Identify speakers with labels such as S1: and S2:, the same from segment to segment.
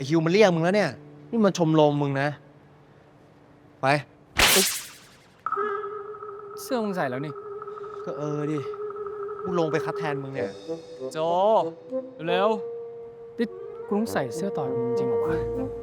S1: ฮิวมันเรียกมึงแล้วเนี่ยนี่มันชมรมมึงนะไป
S2: เสื้อมึงใส่แล้วนี่
S1: ก็ดิกูลงไปคัดแทนมึงเนี่ย
S2: โจ เร็วนี่กูต้องใส่เสื้อต่อยมึงจริงเหรอวะ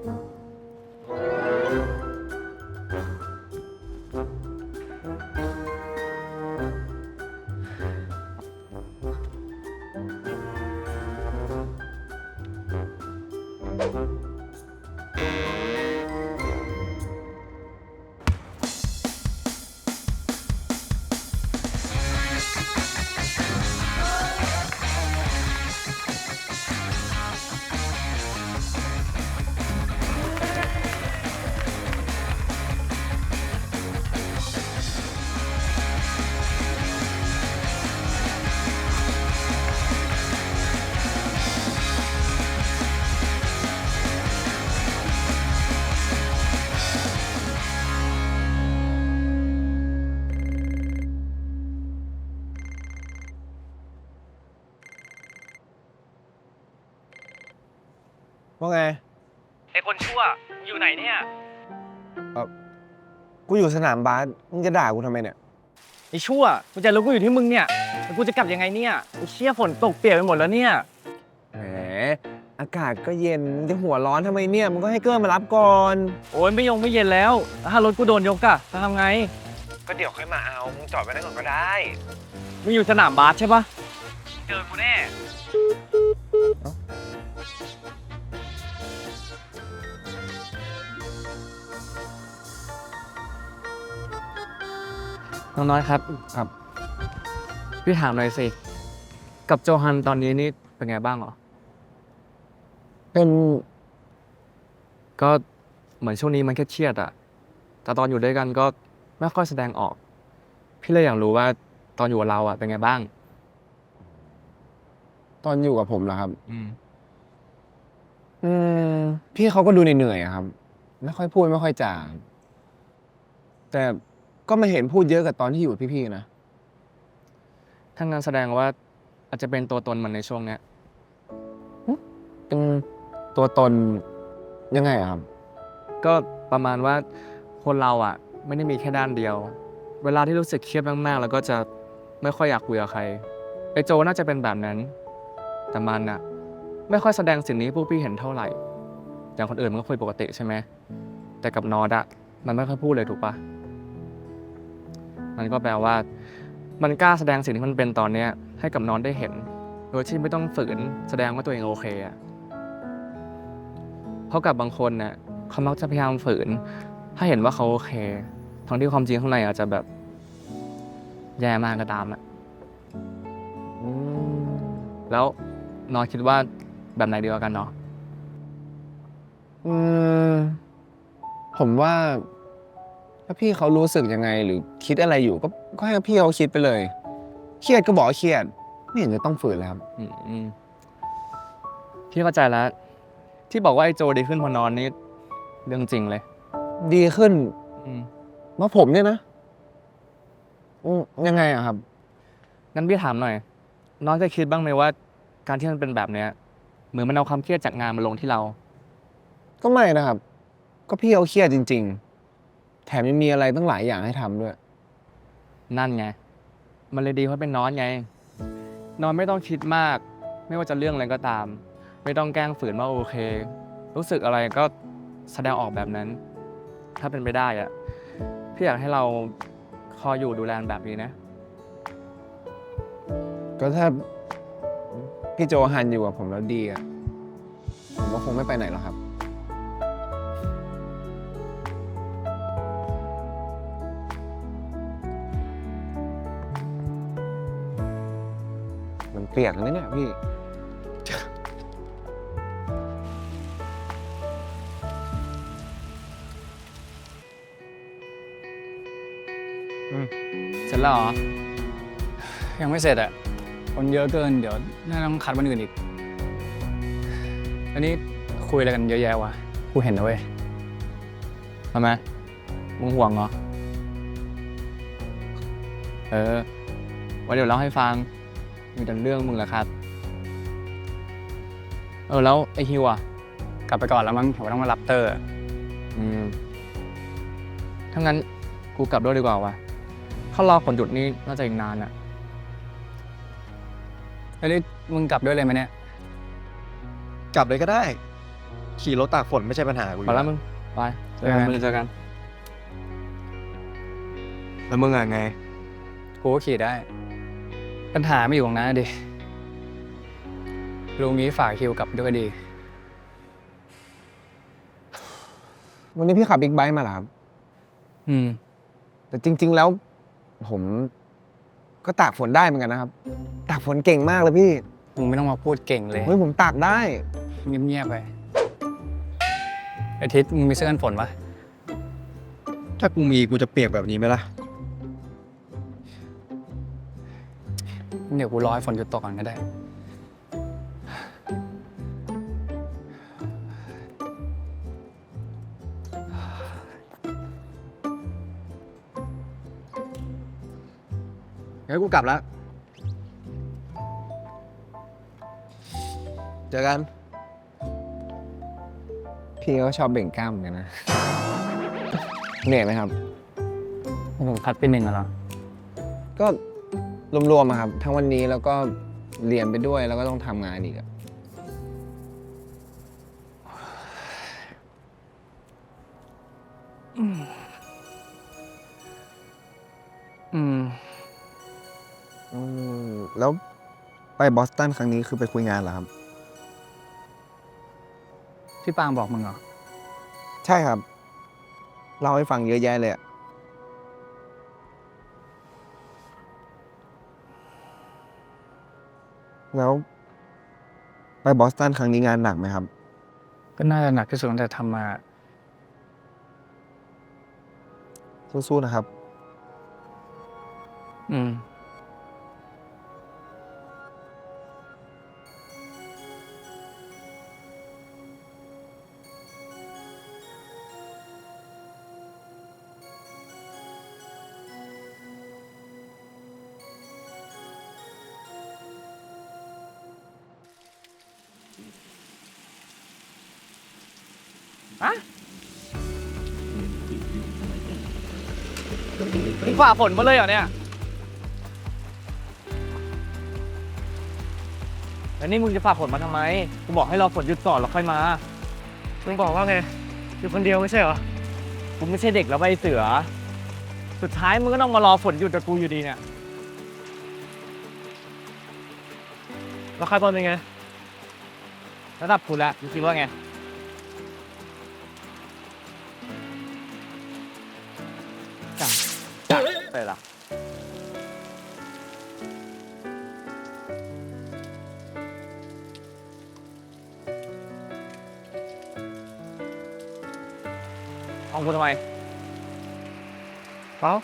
S1: ว่าไง
S3: ไอ้คนชั่วอยู่ไหนเนี่ย
S1: กูอยู่สนามบาสมึงจะด่ากูทำไมเนี่ย
S3: ไอ้ชั่วกูจะรู้กูอยู่ที่มึงเนี่ยแล้วกูจะกลับยังไงเนี่ยไอ้เชี่ยฝนตกเปียกไปหมดแล้วเนี่ย
S1: แหมอากาศก็เย็นมึงจะหัวร้อนทำไมเนี่ยมึงก็ให้เกิ้ลมารับก่อน
S3: โอ้ยไม่เย็นแล้วถ้ารถกูโดนยกอะจะทำไง
S1: ก็เดี๋ยวค่อยมาเอามึงจอดไว้นั่นก่อนก็ได้
S3: มึงอยู่สนามบาสใช่ปะเจอกูแน่น้องน้อยครับ
S1: ครับ
S3: พี่ถามหน่อยสิกับโจฮันตอนนี้นี่เป็นไงบ้างเหรอ
S1: เป็น
S3: ก็เหมือนช่วงนี้มันเครียดๆอะแต่ตอนอยู่ด้วยกันก็ไม่ค่อยแสดงออก พี่เลยอยากรู้ว่าตอนอยู่กับเราอะเป็นไงบ้าง
S1: ตอนอยู่กับผมเหรอครับ
S3: อืม
S1: พี่เขาก็ดูเหนื่อยๆอะครับ ไม่ค่อยพูดไม่ค่อยจาแต่ก็ไม่เห็นพูดเยอะกับตอนที่อยู่กับพี่ๆนะ
S3: ถ้างั้นแสดงว่าอาจจะเป็นตัวตนมันในช่วงเนี้ย
S1: เป็นตัวตนยังไงอะครับ
S3: ก็ประมาณว่าคนเราอะไม่ได้มีแค่ด้านเดียว เวลาที่รู้สึกเครียดมากๆแล้วก็จะไม่ค่อยอยากคุยกับใครไอโจน่าจะเป็นแบบนั้น แต่มันอะไม่ค่อยแสดงสิ่งนี้ให้พวกพี่เห็นเท่าไหร่ อย่างคนอื่นมันก็คุยปกติใช่ไหมแต่กับนอดอะมันไม่ค่อยพูดเลยถูกปะมันก็แปลว่ามันกล้าแสดงสิ่งที่มันเป็นตอนเนี้ยให้กับนอนได้เห็น โดยที่ไม่ต้องฝืนแสดงว่าตัวเองโอเคอะเพราะกับบางคนเนี่ยเขามักจะพยายามฝืนถ้าเห็นว่าเขาโอเคทั้งที่ความจริงข้างในอาจจะแบบแย่มากก็ตามอะแล้วนอนคิดว่าแบบไหนดีกว่ากันเนาะ
S1: ผมว่าถ้าพี่เขารู้สึกยังไงหรือคิดอะไรอยู่ก็ให้พี่เขาคิดไปเลย เครียดก็บอกว่าเครียด ไม่เห็นจะต้องฝืนเลยครับ
S3: พี่เข้าใจแล้ว ที่บอกว่าไอ้โจดีขึ้นพอนอนนี่เรื่องจริงเลย
S1: ดีขึ้น
S3: อืม
S1: ว่าผมเนี่ยนะยังไงอะครับ
S3: งั้นพี่ถามหน่อย น้องจะคิดบ้างไหมว่า การที่มันเป็นแบบเนี้ยเหมือนมันเอาความเครียดจากงานมาลงที่เรา
S1: ก็ไม่นะครับ ก็พี่เขาเครียดจริง ๆ แถมยังมีอะไรตั้งหลายอย่างให้ทำด้วย
S3: นั่นไง มันเลยดีเพราะเป็นนอนไง นอนไม่ต้องคิดมาก ไม่ว่าจะเรื่องอะไรก็ตาม ไม่ต้องแกล้งฝืนว่าโอเค รู้สึกอะไรก็แสดงออกแบบนั้น ถ้าเป็นไปได้อะพี่อยากให้เราคอยอยู่ดูแลแบบนี้นะ
S1: ก็ถ้าพี่โจฮันอยู่กับผมแล้วดีอะผมก็คงไม่ไปไหนหรอกครับ มันเปียกเลยเนี่ยพี่
S2: เสร็จแล้วเหรอ ยังไม่เสร็จอ่ะ คนเยอะเกิน เดี๋ยวน่าต้องคัดวันอื่นอีก อันนี้คุยอะไรกันเยอะแยะวะ กูเห็นนะเว้ย
S3: ทำไม มึงห่วงเหรอ ไว้เดี๋ยวเล่าให้ฟัง มีแต่เรื่องมึงแหละครับ แล้วไอฮิวอ่ะ
S2: กลับไปก่อนแล้วมั้งผมต้องมารับเตอร์
S3: อืมถ้างั้นกูกลับด้วยดีกว่าวะถ้ารอผลหยุดนี่น่าจะอีกนานอะ
S2: เฮ้ยมึงกลับด้วยเลยไหมเนี่ย
S4: กลับเลยก็ได้ ขี่รถตากฝนไม่ใช่ปัญหากูอ
S3: ไป
S4: ยู่
S3: แล้วมึง ไปเจอกันมึงเจอกัน
S4: แล้วมึงอะไง
S2: กูก็ขี่ได้ ปัญหาไม่อยู่ตรงนั้นนะดิลุงนี้ฝากคิวกลับด้วยก็ดี
S1: วันนี้พี่ขับบิ๊กไบค์มาเหรอครับ
S2: อืม
S1: แต่จริง ๆ แล้ว ผมก็ตากฝนได้เหมือนกันนะครับ ตากฝนเก่งมากเลยพี่
S2: มึงไม่ต้องมาพูดเก่งเลย
S1: เฮ้ยผมตากได้
S2: เงียบๆไปไอทิศมึงมีเสื้อกันฝนปะ
S4: ถ้ากูมีกูจะเปียกแบบนี้ไหมล่ะ
S2: เดี๋ยวกูรอให้ฝนหยุดตกก่อนก็ได้
S4: งั้นกูกลับแล้ว เจอกัน
S1: พี่ก็ชอบเบ่งกล้ามเหมือนกันนะ เหนื่อยไหมครับ
S2: ผมคัดไปหนึ่งอะเหรอ
S1: ก็รวมๆอะครับ ทั้งวันนี้แล้วก็เรียนไปด้วยแล้วก็ต้องทำงานอีกอะ
S2: อืม
S4: แล้วไปบอสตันครั้งนี้คือไปคุยงานเหรอครับ
S2: พี่ปางบอกมึงเหรอ
S4: ใช่ครับ เล่าให้ฟังเยอะแยะเลยอะ แล้วไปบอสตันครั้งนี้งานหนักไหมครับ
S2: ก็น่าจะหนักที่สุดตั้งแต่ทำมา
S4: สู้ๆนะครับ
S2: อืม
S3: มึงฝ่าฝนมาเลยเหรอเนี่ย แล้วนี่มึงจะฝ่าฝนมาทำไม กูบอกให้รอฝนหยุดก่อนแล้วค่อยมา มึงบอกว่าไง อยู่คนเดียวไม่ใช่เหรอ กูไม่ใช่เด็กแล้วใบเสือ สุดท้ายมึงก็ต้องมารอฝนหยุดกับกูอยู่ดีเนี่ย แล้วใครบอลเป็นไง ระดับกูแล้วมึงคิดว่าไง ไปละของกูทำไมเปล่า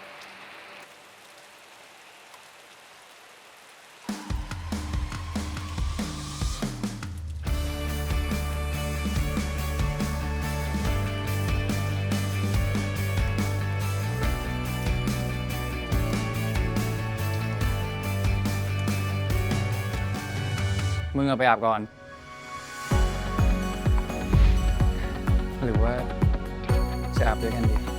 S2: มึงเอาไปอาบก่อน หรือว่าจะอาบด้วยกันดี